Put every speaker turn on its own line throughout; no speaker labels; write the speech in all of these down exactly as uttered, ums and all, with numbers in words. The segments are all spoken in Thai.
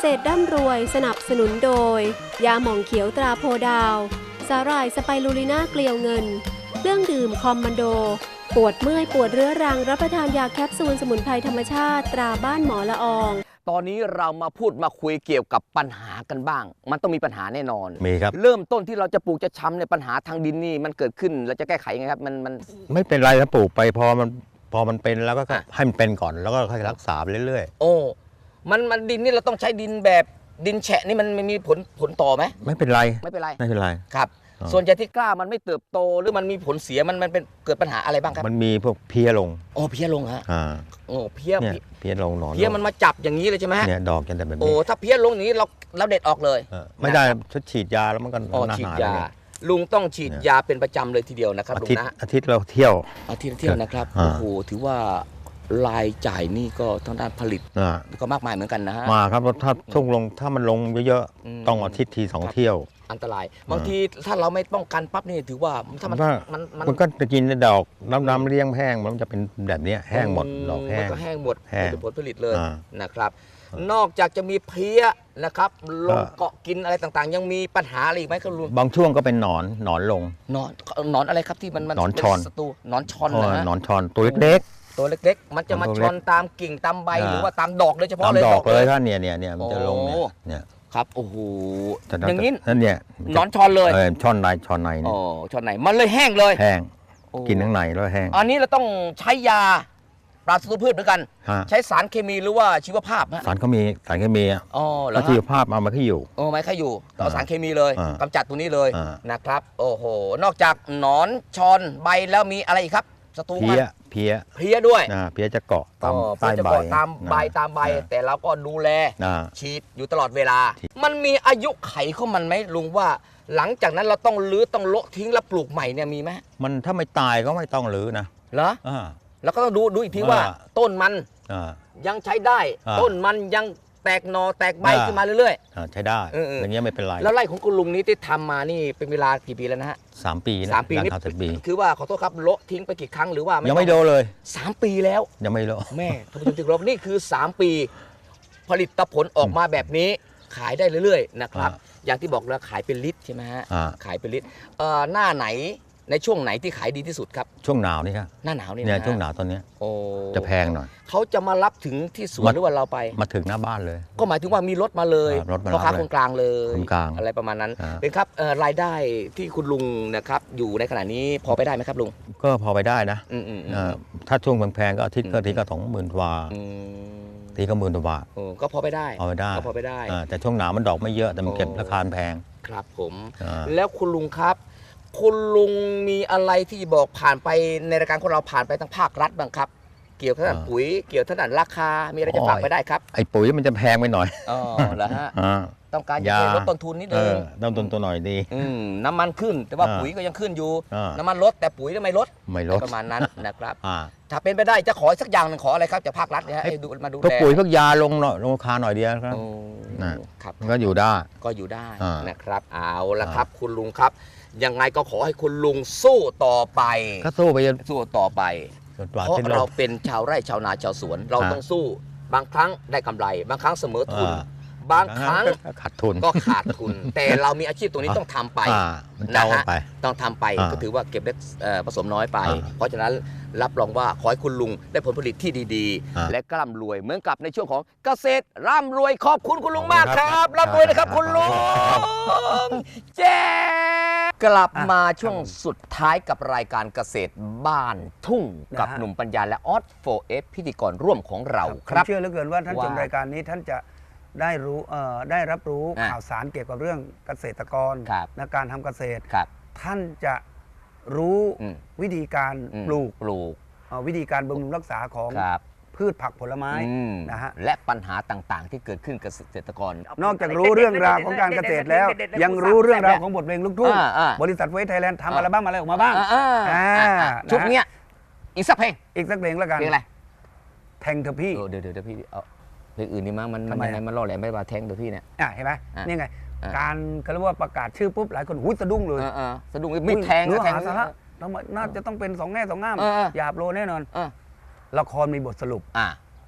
ตรร่ำรวยสนับสนุนโดยยาหม่องเขียวตราโพดาวสาหร่ายสไปรูลิน่าเกลียวเงินเครื่องดื่มคอมมานโดปวดเมื่อยปวดเรื้อรังรับประทานยาแคปซูลสมุนไพรธรรมชาติตราบ้านหมอละออง
ตอนนี้เรามาพูดมาคุยเกี่ยวกับปัญหากันบ้างมันต้องมีปัญหาแน่นอน
มีครับ
เริ่มต้นที่เราจะปลูกจะช้ำในปัญหาทางดินนี่มันเกิดขึ้นเราจะแก้ไขยังไงครับมันมัน
ไม่เป็นไรถ้าปลูกไปพอมันพอมันเป็นแล้วก็ให้มันเป็นก่อนแล้วก็ค่อยรักษาไปเรื่อย
ๆโอ้มันมันดินนี่เราต้องใช้ดินแบบดินแฉะนี่มันมีผลผลต่อไหม
ไม่เป็นไร
ไม่เป็นไร
ไม่เป็นไร
ครับส่วนใหญ่ที่กล้ามันไม่เติบโตหรือมันมีผลเสียมันมันเป็นเกิดปัญหาอะไรบ้างครับ
มันมีพวกเพี้ยลง
โอ้เพี้ยลงฮะ
อ่า
โอ้เพี้ย
เพี้ยลงหนอน
เพี้ยมันมาจับอย่างนี้เลยใช่ไหมฮะ
เนี่ยดอกจะแบบนี้
โอ้ถ้าเพี้ยลงอย่างนี้เราเราเด็ดออกเลย
ไม่ได้ชุดฉีดยาแล้วมันก็
อ๋อฉีดยาลุงต้องฉีดยาเป็นประจำเลยทีเดียวนะครับลุงนะ
อาทิตย์เราเที่ยว
อาทิตย์เที่ยวนะครับโอ้โหถือว่ารายจ่ายนี่ก็ทางด้านผลิตก็มากมายเหมือนกันนะฮะ
มาครับถ้าช่วงลงถ้ามันลงเยอะๆต้องอาทิตย์ทีสองเที่ยว
อันตรายบางทีถ้าเราไม่ป้องกันปั๊บนี่ถือว่าถ้ามัน
มันมันก็จะกินดอกน้ำน้ำเลี้ยงแห้งมันจะเป็นแบบนี้แห้งหมดดอกแห้ง
มันก็แห้งหมดเป็นผลผลิตเลยนะครับนอกจากจะมีเพี้ยนะครับลงเกาะกินอะไรต่างๆยังมีปัญหาอะไรอีกไหมครับลุง
บางช่วงก็เป็นหนอนหนอนลง
หนอนหนอนอะไรครับที่มัน
หนอนชอน
ศัตรูหนอนชอนนะฮะ
หนอนชอนตัวเล็ก
ๆตัวเล็กๆมันจะมาชอนตามกิ่งตามใบหรือว่าตามดอกโดยเฉพาะเลย
ตามดอกเลยท่านเนี่ยเนี่ยเนี่ยมันจะลงเนี่ย
ครับโอ้โหอย่างนี้
นั่นเนี่ย
หนอนชอนเลย
ช่อนในช่อนใน
อ๋อช่อนในมันเลยแห้งเลย
แห้งกินข้างในแล้วแห้ง
อันนี้เราต้องใช้ยาปราศจากพืชเหมือนกันใช้สารเคมีหรือว่าชีวภาพ
สารเคมีสารเคมี
อ๋อ
แล้วชีวภาพเอามาขี้อยู่
โอ้ไม่ขี้อยู่ต่อสารเคมีเลยกำจัดตัวนี้เลยนะครับโอ้โหนอกจากหนอนชอนใบแล้วมีอะไรอีกครับศัตรูมัน
เพี้ย
เพี้ยด้วย
เพี้ยจะเกาะตามใต้ใบ
ตามใบตามใบแต่เราก็ดูแลฉีดอยู่ตลอดเวลามันมีอายุไขของมันไหมลุงว่าหลังจากนั้นเราต้องรื้อต้องโละทิ้งแล้วปลูกใหม่เนี่ยมีไหม
มันถ้าไม่ตายก็ไม่ต้องรื้อนะ
เหรอแล้วก็ต้องดูดูอีกทีว่าต้นมันยังใช้ได้ต้นมันยังแตกหน่อแตกใบขึ้นมาเรื่อย
ๆใช้ได้อย่างเงี้ยไม่เป็นไร
แล้วไร่ของคุณลุงนี้ที่ทำมานี่เป็นเวลากี่ปีแล้วนะฮะ
สามปี
สามปีนี่คือว่าขอโทษครับโละทิ้งไปกี่ครั้งหรือว่า
ยังไม่โดนเลย
สามปีแล้ว
ยังไม่โดน
แม่ท่านผู้ชมที่เคารพนี่คือสามปีผลิตผลออกมาแบบนี้ขายได้เรื่อยๆนะครับอย่างที่บอกแล้วขายเป็นลิตรใช่ไหมฮะขายเป็นลิตรหน้าไหนในช่วงไหนที่ขายดีที่สุดครับ
ช่วงหนาวนี่ครับ
หน้าหนาวนี่
เนี่ยช่วงหนาวตอนนี้โอ้จะแพงหน่อย
เขาจะมารับถึงที่สวนหรือว่าเราไป
มาถึงหน้าบ้านเลย
ก็หมายถึงว่ามีรถมาเลยพ่อค้าคนกลางเลย
คนกลาง
อะไรประมาณนั้นเป็นครับรายได้ที่คุณลุงนะครับอยู่ในขณะนี้พอไปได้ไหมครับลุง
ก็พอไปได้นะถ้าช่วงแพงๆก็อาทิตย์ก็ทีก็สองหมื่นกว่าทีก็หมื่นกว่าบาท
ก็พอไปได้
พอไปได้
พอไปได้
แต่ช่วงหนาวมันดอกไม่เยอะแต่มันเก็บราคาแพง
ครับผมแล้วคุณลุงครับคุณลุงมีอะไรที่บอกผ่านไปในรายการของเราผ่านไปทางภาครัฐบ้างครับเกี่ยวกับด้านปุ๋ยเกี่ยวกับด้านราคามีอะไรจะฝากไปได้ครับ
ไอ้ปุ๋ยมันจะแพงไปหน่อย
อ๋อเหรอฮะต้องการจะลดต้นทุนนิดนึง
ลดต้นทุนหน่อยดี
น้ำมันขึ้นแต่ว่าปุ๋ยก็ยังขึ้นอยู่น้ำมันลดแต่ปุ๋ยไม่ลด
ไม่ลด
ประมาณนั้นนะครับถ้าเป็นไปได้จะขอสักอย่างหนึ่งขออะไรครับจากภาครัฐเนี่ยให้ดูมาดูแล
พวกปุ๋ยพวกยาลงหน่อยลงราคาหน่อยเดียวครับ
ครับ
ก็อยู่ได้
ก็อยู่ได้นะครับเอาละครับคุณลุงครับยังไงก็ขอให้คุณลุงสู้ต่อไป
ก็สู้ไป
สู้ต่อไปเพราะเราเป็นชาวไร่ชาวนาชาวสวนเราต้องสู้บางครั้งได้กำไรบางครั้งเสมอทุนบางครั้ง
ขาดทุน
ก็ขาดทุนแต่เรามีอาชีพตรงนี้ต้องทำไปนะฮะต้องทำไปก็ถือว่าเก็บเล็กผสมน้อยไปเพราะฉะนั้นรับรองว่าขอให้คุณลุงได้ผลผลิตที่ดีๆและร่ำรวยเหมือนกับในช่วงของเกษตรร่ำรวยขอบคุณคุณลุงมากครับร่ำรวยนะครับคุณลุงเจ๊กลับมาช่วงสุดท้ายกับรายการเกษตรบ้านทุ่งกับหนุ่มปัญญาและออส โฟร์ เอฟ พิธีกรร่วมของเราครับ
เชื่อเหลือเกินว่าท่านชมรายการนี้ท่านจะได้รู้ได้รับรู้ข่าวสารเกี่ยวกับเรื่องเกษตรกรในการทำเกษตรท่านจะรู้วิธีการปลูก
ปลูก
วิธีการบำรุงรักษาของพืชผักผลไม้นะฮะ
และปัญหาต่างๆที่เกิดขึ้นกับเกษตรกร
นอกจากรู้เรื่องราวของการเกษตรแล้วยังรู้เรื่องราวของบทเพลงลูกทุ่งบริษัทเวทไทยแลนด์ทำอัลบั้มอะไรออกมาบ้าง
ชุดนี้อีกสักเพลง
อีกสักเพลงแล้วกัน
เพลงอะไร
แทงเธอพี่
เดี๋ยวเดี๋ยวพี่เอาเพลงอื่นนี่มั้งมันมันยังไงมันล่อแหลมไม่มาแทงเธอพี่เนี่ย
เห็นไหมนี่ไงการเขาเรียกว่าประกาศชื่อปุ๊บหลายคนหุ้ยสะดุ้งเลย
สะดุ้งมีแทง
แทงสาระน่าจะต้องเป็นสองแง่สองง่ามหยาบโลแน่นอนละครมีบทสรุป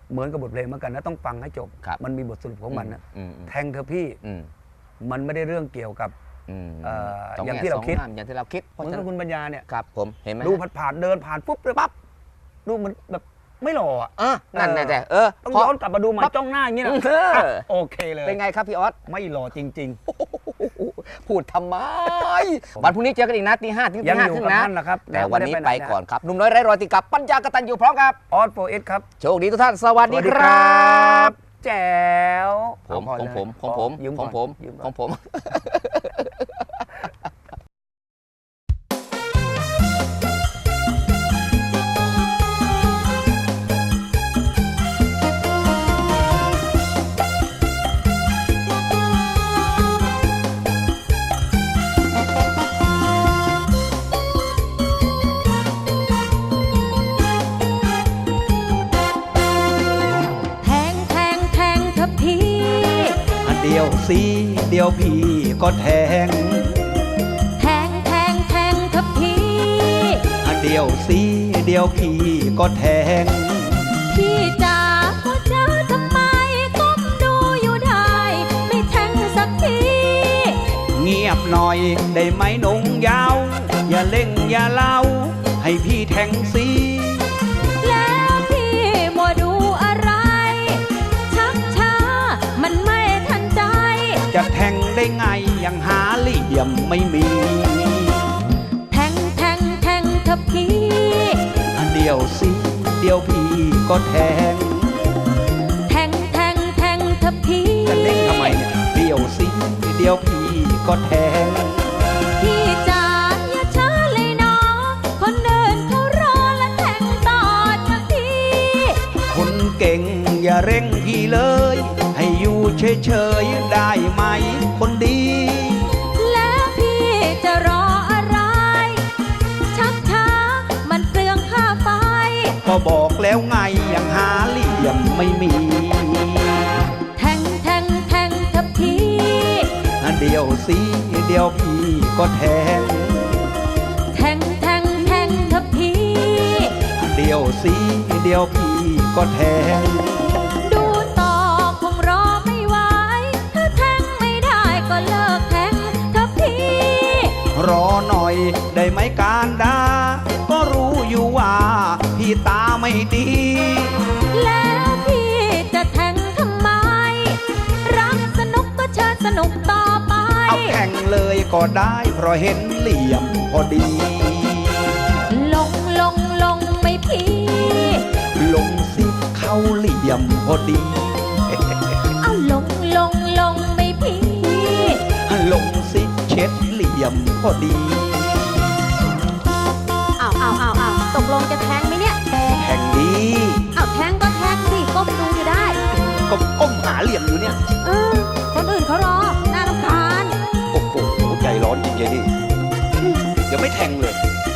เหมือนกับบทเพลงเหมือนกันนะต้องฟังให้จบมันมีบทสรุปของมันนะแทงเธอพี่มันไม่ได้เรื่องเกี่ยวกับอย่างที่เราคิด
อย่างที่เราคิด
เหมือนกับคุณปัญญาเนี่ย
ครับผมเห็นไหม
ดูผ่านๆเดินผ่านปุ๊บเลยปั๊บดูมันแบบไม่หล่ออ่ะ
นั่นแหละเออ
ต้องย้อนกลับมาดูมาจ้องหน้าอย่างนี้นะโอเคเลย
เป็นไงครับพี่ออส
ไม่หล่อจริง
ๆพูดทำไมวันพรุ่งนี้เจอกันอีกนะตีห้าถึงตีห้าครึ่งนะแต่วันนี้ไปก่อนครับหนุ่มน้อยไร้รอยติดกับปัญญากตัญญูพร้อมครับ
ออสโฟเอสครับ
โชคดีทุกท่านสวัสดีครับ
แจ๋ว
ผมของผมของผมของผมของผม
เดียวสีเดียวพี่ก็แทง
แทงแทงแทงทับพี่
อันเดียวสีเดียวพี่ก็แทง
พี่จ๋าพ่อจ๋าทำไมก้มดูอยู่ได้ไม่แทงสักที
เงียบหน่อยได้ไหมนงยาวอย่าเล่งอย่าเล่าให้พี่แทงสี
แล้วพี่มัวดูอะไรชักช้ามันไม่
จะแทงได้ไงยังหาเหลี่ยมไม่มี
แทงแทงแทงทับพี่
อันเดียวสิเดียวพี่ก็แทง
แทงแทงแทงทับพี่
จะเล่นทำไมเนี่ยเดียวสิเดียวพี่ก็แทง
พี่จ๋าอย่าช้าเลยน้องคนเดินเขารอและแทงต่อทับพี่
คนเก่งอย่าเร่งพี่เลยให้อยู่เฉยๆได้ไหมคนดี
แล้วพี่จะรออะไรชักช้ามันเปลืองค่าไฟ
ก็บอกแล้วไงยังหาเหลี่ยมไม่มี
แทงแทงแทงทับพี่
เดียวสิเดียวพี่ก็แทง
แทงแทงแทงทับพี่
เดียวสิเดียวพี่ก็แทงรอหน่อยได้ไหมการดาก็รู้อยู่ว่าพี่ตาไม่ดี
แล้วพี่จะแทงทำไมรักสนุกก็เชิญสนุกต่อไป
เอาแข่งเลยก็ได้เพราะเห็นเหลี่ยมพอดี
ลงลงลงไม่พี่
ลงสิเข้าเหลี่ยมพอดี
เอาลงลงลงไม่พี่
ลงสิเช็ดเหลี่ยมพอดี
อ้าวอ้าวอ้าวอ้าวตกลงจะแทงไหมเนี่ย
แทงดี
อ้าวแทงก็แทงสิก้มดูอยู่ได้
ก็ก้มหาเหลี่ยมอยู่เนี่ย
เออคนอื่นเขารอน่ารำคาญ
โอ้โหใจร้อนจริงๆดิเดี๋ยวไม่แทงเลย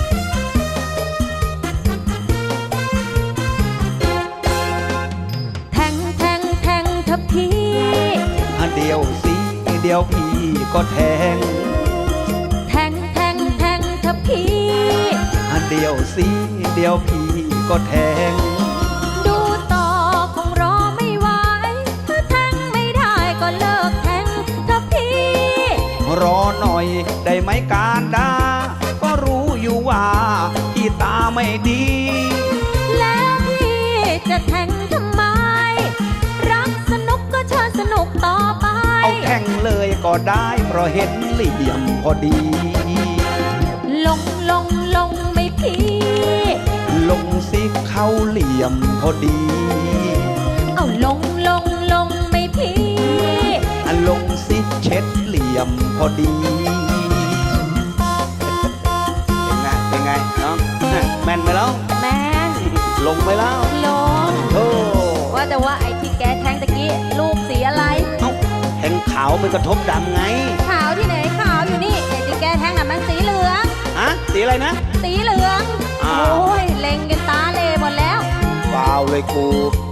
แทงแทงแทงทับพี่
เดียวสิเดียวพี่ก็แทง
แทงแทงแทงทับพี่
อันเดียวสิเดียวพี่ก็แทง
ดูต่อคงรอไม่ไหวถ้าแทงไม่ได้ก็เลิกแทงทับพี่
รอหน่อยได้ไหมการดาก็รู้อยู่ว่าพี่ตาไม่ดี
แล้วพี่จะแทงทำไมรักสนุกก็เชิญสนุกต่อไป
เอาแข่งเลยก็ได้เพราะเห็นเหลี่ยมพอดี
ลงลงลงไม่พี่
ลงสิเข้าเหลี่ยมพอดี
เอาลงลงลงไม่พี่
ลงสิเช็ดเหลี่ยมพอดีเป็นไงเป็นไงน้องแม่นไหมแล้ว
แม่น
ลงไปแล้ว
ลง
โอ้
ว่าแต่ว่าไอ้ที่แกแทงตะกี้ลูกสีอะไร
เอ้าแทงขาวมันกระทบดำไง
ขาวที่ไหนขาวอยู่นี่ไอ้ที่แกแทงน่ะมันสีเหลือง
ฮะสีอะไรนะ
สีเหลืองโอ้ยเล็งกันตาเลหมดแล้ว
ว้าวเลยกู